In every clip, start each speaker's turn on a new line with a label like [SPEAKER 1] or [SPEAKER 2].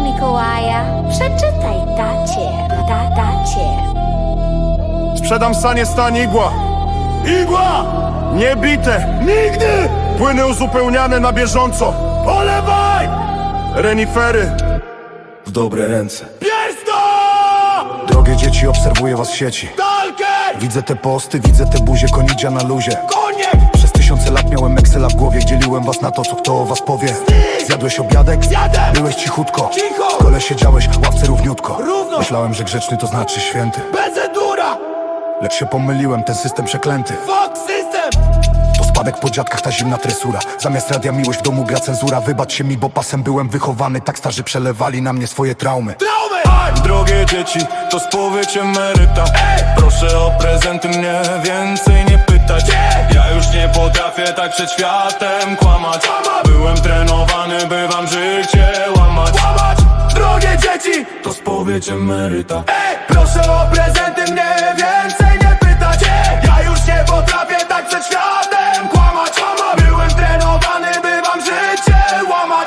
[SPEAKER 1] Mikołaja, przeczytaj tacie.
[SPEAKER 2] Sprzedam sanie stan igła.
[SPEAKER 3] Igła!
[SPEAKER 2] Niebite.
[SPEAKER 3] Nigdy!
[SPEAKER 2] Płyny uzupełniane na bieżąco.
[SPEAKER 3] Polewaj!
[SPEAKER 2] Renifery.
[SPEAKER 3] W dobre ręce. Piersto!
[SPEAKER 4] Drogie dzieci, obserwuję was w sieci.
[SPEAKER 3] Talkę!
[SPEAKER 4] Widzę te posty, widzę te buzie, konidzia na luzie.
[SPEAKER 3] Koniec!
[SPEAKER 4] Przez tysiące lat miałem Excela w głowie, dzieliłem was na to, co kto o was powie. Zjadłeś obiadek?
[SPEAKER 3] Zjadłem!
[SPEAKER 4] Byłeś cichutko.
[SPEAKER 3] Cicho!
[SPEAKER 4] W kole siedziałeś, w ławce równiutko.
[SPEAKER 3] Równo!
[SPEAKER 4] Myślałem, że grzeczny to znaczy święty.
[SPEAKER 3] Bezedura!
[SPEAKER 4] Lecz się pomyliłem, ten system przeklęty.
[SPEAKER 3] Fuck system!
[SPEAKER 4] To spadek po dziadkach, ta zimna tresura. Zamiast radia miłość w domu gra cenzura. Wybacz się mi, bo pasem byłem wychowany. Tak starzy przelewali na mnie swoje traumy.
[SPEAKER 3] Traumy!
[SPEAKER 5] Drogie dzieci, to spowiedź emeryta. Proszę o prezenty, mnie więcej nie pytać. Ja już nie potrafię tak przed światem kłamać. Byłem trenowany, by wam życie łamać.
[SPEAKER 3] Drogie dzieci!
[SPEAKER 5] To spowiedź emeryta.
[SPEAKER 3] Proszę o prezenty, mnie więcej nie pytać. Ja już nie potrafię tak przed światem kłamać. Byłem trenowany, by wam życie łamać.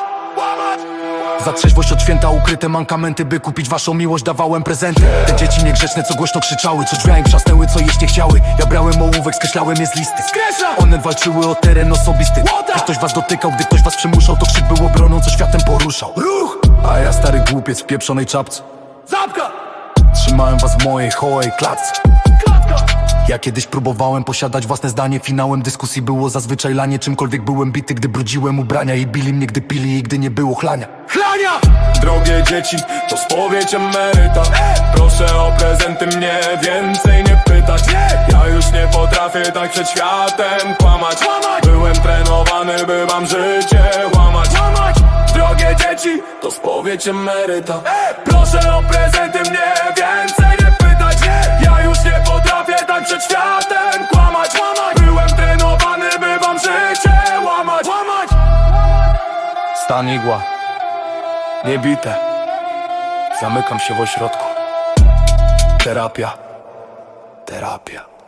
[SPEAKER 4] Za trzeźwość od święta ukryte mankamenty. By kupić waszą miłość dawałem prezenty. Te dzieci niegrzeczne, co głośno krzyczały, co drzwiami trzasnęły, co jeść nie chciały. Ja brałem ołówek, skreślałem je z listy.
[SPEAKER 3] Skreślam!
[SPEAKER 4] One walczyły o teren osobisty. Gdy ktoś was dotykał, gdy ktoś was przymuszał, to krzyk był obroną, co światem poruszał.
[SPEAKER 3] Ruch!
[SPEAKER 4] A ja stary głupiec w pieprzonej czapce.
[SPEAKER 3] Zapka!
[SPEAKER 4] Trzymałem was w mojej hołej klatce.
[SPEAKER 3] Klatka!
[SPEAKER 4] Ja kiedyś próbowałem posiadać własne zdanie. Finałem dyskusji było zazwyczaj lanie. Czymkolwiek byłem bity, gdy brudziłem ubrania. I bili mnie, gdy pili i gdy nie było chlania.
[SPEAKER 3] Chlania!
[SPEAKER 5] Drogie dzieci, to spowiedź emeryta. Proszę o prezenty, mnie więcej nie pytać. Ja już nie potrafię tak przed światem kłamać. Byłem trenowany, by wam życie łamać. Drogie dzieci, to spowiedź emeryta. Proszę o prezenty, mnie więcej nie pytać. Ja już nie potrafię tak przed światem kłamać. Byłem trenowany, by wam życie łamać.
[SPEAKER 4] Stan igła. Niebite. Zamykam się w ośrodku. Terapia.